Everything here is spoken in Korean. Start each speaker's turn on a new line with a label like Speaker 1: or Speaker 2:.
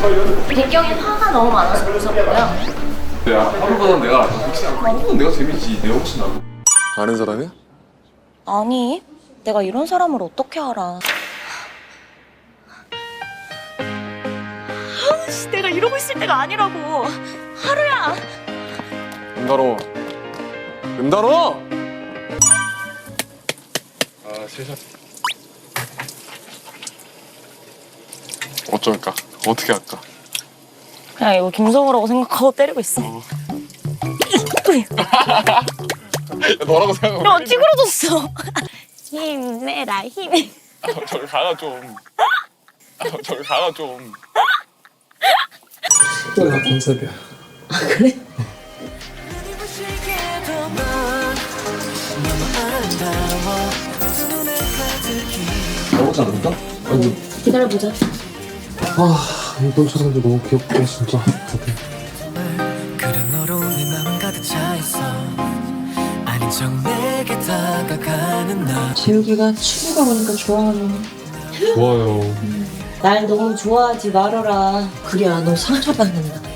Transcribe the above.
Speaker 1: 배경에 화가 너무 많아서 무섭고요.
Speaker 2: 야, 하루보다 내가 혹시 하루보다 내가 재밌지. 내가 혹시 나
Speaker 3: 아는 사람이야?
Speaker 1: 아니, 내가 이런 사람을 어떻게 알아? 아우씨, 내가 이러고 있을 때가 아니라고. 하루야.
Speaker 3: 은달호. 은달호!
Speaker 2: 아, 세상.
Speaker 3: 어쩔까? 어떻게 할까?
Speaker 1: 그냥 이거 김성우라고 생각하고 때리고 있어.
Speaker 3: 너라고 생각하고.
Speaker 1: 너 찌그러졌어. 힘내라, 힘.
Speaker 3: 저기 가라 좀. 저기 가라 좀.
Speaker 4: 나 컨셉이야. 나오지 않을까? 아니,
Speaker 1: 기다려보자.
Speaker 4: 이번 촬영도 너무 귀엽고 진짜.
Speaker 5: 그래 너로 내 맘은 가득 차 있어 아닌 척 내게 다가가는 나
Speaker 6: 재욱이가 춤이가 보니까 좋아하네.
Speaker 4: 좋아요.
Speaker 6: 날 너무 좋아하지 말아라. 그래야 너 상처받는다.